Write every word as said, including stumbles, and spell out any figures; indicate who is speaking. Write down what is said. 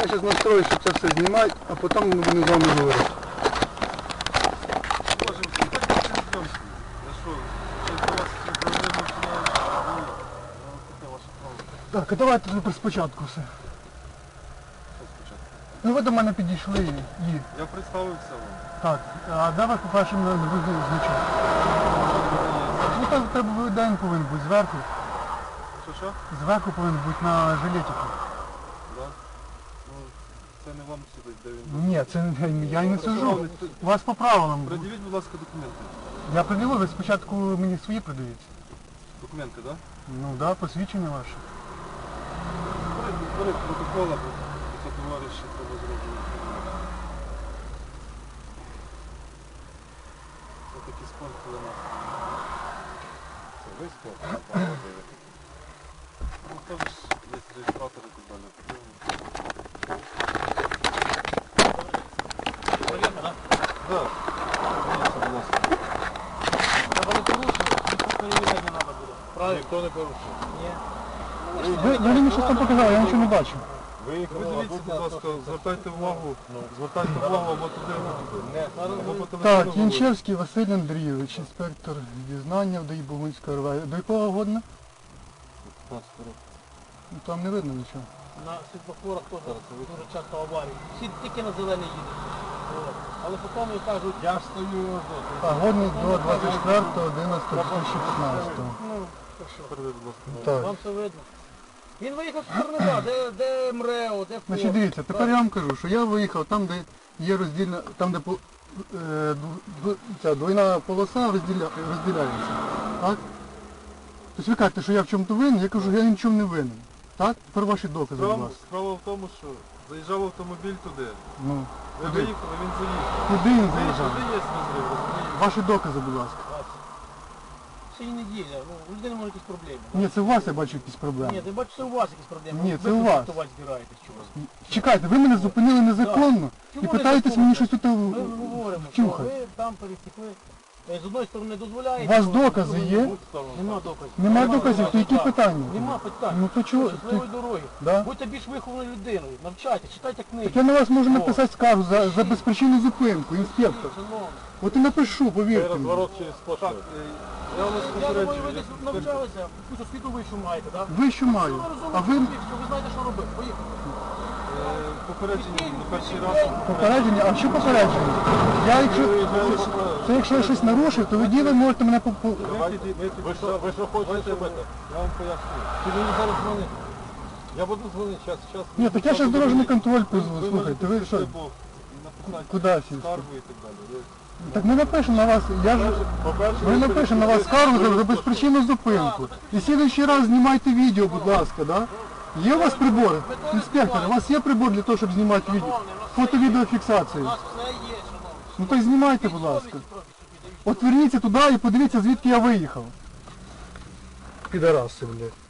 Speaker 1: Я зараз настрою, щоб це все знімати, а потім ми будемо з вами говорити. Так, а давайте тепер спочатку все. Ну ви до мене підійшли і...
Speaker 2: Я представився вам.
Speaker 1: Так, а де ви, по-перше, мене визнали значок? Ну так в тебе день повинен бути зверху.
Speaker 2: Що що?
Speaker 1: Зверху повинен бути на жилетику.
Speaker 2: Да? Ну, це не вам судить, де він.
Speaker 1: Ні, це я й не сужу. У вас по правилам.
Speaker 2: Придивіть, будь ласка, документи.
Speaker 1: Я приділив, ви спочатку мені свої придаєте.
Speaker 2: Документи, так?
Speaker 1: Ну так, да, посвідчення ваше.
Speaker 2: Бери протокол, або це товариші треба зробити. Це такий спорт, коли нас. Це ви спорт? Ну там ж є реєстратор і так далі.
Speaker 3: Проверка, да?
Speaker 2: Так. Будь ласка.
Speaker 3: Треба не порушити, ніхто перевіряти не треба буде. Правильно?
Speaker 2: Ніхто не порушив.
Speaker 3: Ні.
Speaker 1: Ви, ви мені щось там показали, я нічого не бачу.
Speaker 2: Ви дивіться, будь ласка, звертайте увагу, звертайте увагу або туди, або по телефону.
Speaker 1: Так,
Speaker 2: говорите.
Speaker 1: Янчевський Василь Андрійович, інспектор дізнання в ДАІ Богунської РВ. До якого годна? Ну, там не видно нічого.
Speaker 3: На світлофорах теж дуже часто аварії. Всі тільки на зелений їдуть. От. Але потім кажуть, я стою.
Speaker 1: А годний до двадцять четвертого одинадцятого дві тисячі п'ятнадцятого.
Speaker 3: Ну, так що,
Speaker 2: Передай, будь ласка.
Speaker 1: Так.
Speaker 3: вам все видно. Він виїхав з Корнева, де, де МРЕО, де
Speaker 1: Значить,
Speaker 3: ФОП.
Speaker 1: дивіться, тепер я вам кажу, що я виїхав там, де є роздільна, там, де по- е, ду- ду- ця двойна полоса розділя, розділяється. Так? Тобто ви кажете, що я в чому-то винен, я кажу, я ні в чому не винен. Так? Тепер ваші докази, будь
Speaker 2: Справа,
Speaker 1: ласка.
Speaker 2: справа в тому, що заїжджав автомобіль туди.
Speaker 1: Ну,
Speaker 2: Ви
Speaker 1: куди?
Speaker 2: виїхали, він заїхав.
Speaker 1: Куди він
Speaker 2: Туди
Speaker 1: заїжджав?
Speaker 2: є розрив, розумієте?
Speaker 1: Ваші докази, будь ласка.
Speaker 3: Сьогодні неділя, ну, у людини може якісь проблеми.
Speaker 1: Ні, це у вас я бачу якісь
Speaker 3: Ні,
Speaker 1: проблеми.
Speaker 3: ти бачиш, це у вас якісь проблеми.
Speaker 1: Ні,
Speaker 3: Ви
Speaker 1: це у вас.
Speaker 3: протестувати збираєтесь чогось.
Speaker 1: Чекайте, ви мене зупинили незаконно і
Speaker 3: Чому
Speaker 1: питаєтесь
Speaker 3: незаконно?
Speaker 1: мені щось тут
Speaker 3: Ми говоримо, що
Speaker 1: втюхати.
Speaker 3: ви там пересікли. Е, З одної сторони дозволяєте.
Speaker 1: У вас
Speaker 3: з другої
Speaker 1: докази є?
Speaker 3: Нема доказів.
Speaker 1: Нема доказів, то які
Speaker 3: Так.
Speaker 1: питання?
Speaker 3: Нема питань.
Speaker 1: Ну то чого?
Speaker 3: Щасливої дороги.
Speaker 1: Да?
Speaker 3: Будьте більш вихованою людиною. Навчайте, читайте книги.
Speaker 1: Так я на вас можу
Speaker 3: О.
Speaker 1: написати скаргу за, за безпричинну зупинку, інспектор.
Speaker 3: Шановні.
Speaker 1: От і напишу, повірте мені.
Speaker 2: Розворот через сплошну. Я вас
Speaker 3: Я думаю, ви
Speaker 2: попереджую.
Speaker 3: десь навчалися, якусь освіту вищу маєте, так?
Speaker 1: Ви що маю? А ви
Speaker 3: що ви знаєте, що робити. Поїхали.
Speaker 2: Е, Попередження на перший раз.
Speaker 1: попередження? А що попередження? Я якщо, це якщо я щось нарушив, то ви діли можете мене по... по-
Speaker 2: Ви що, ви що хочете робити? Я вам поясню. Ти мені зараз дзвонити. Я буду дзвонити, зараз, зараз.
Speaker 1: Ні, так я зараз дорожній контроль позву. Слухайте, ви що? Куди сісти?
Speaker 2: Скаргу і так далі. Ви-
Speaker 1: Так ми напишемо на вас, я ж...
Speaker 2: По-перше,
Speaker 1: Ми напишемо на вас скаргу за, за безпричинну зупинку. І слідуючий раз знімайте відео, будь ласка, да? Є у вас прибори? Інспектор, у вас є прибор для того, щоб знімати відео? Фото-відеофіксацію.
Speaker 3: У нас все є, шановні.
Speaker 1: Ну то й знімайте, будь ласка. От верніться туди і подивіться, звідки я виїхав. Підараси, блядь.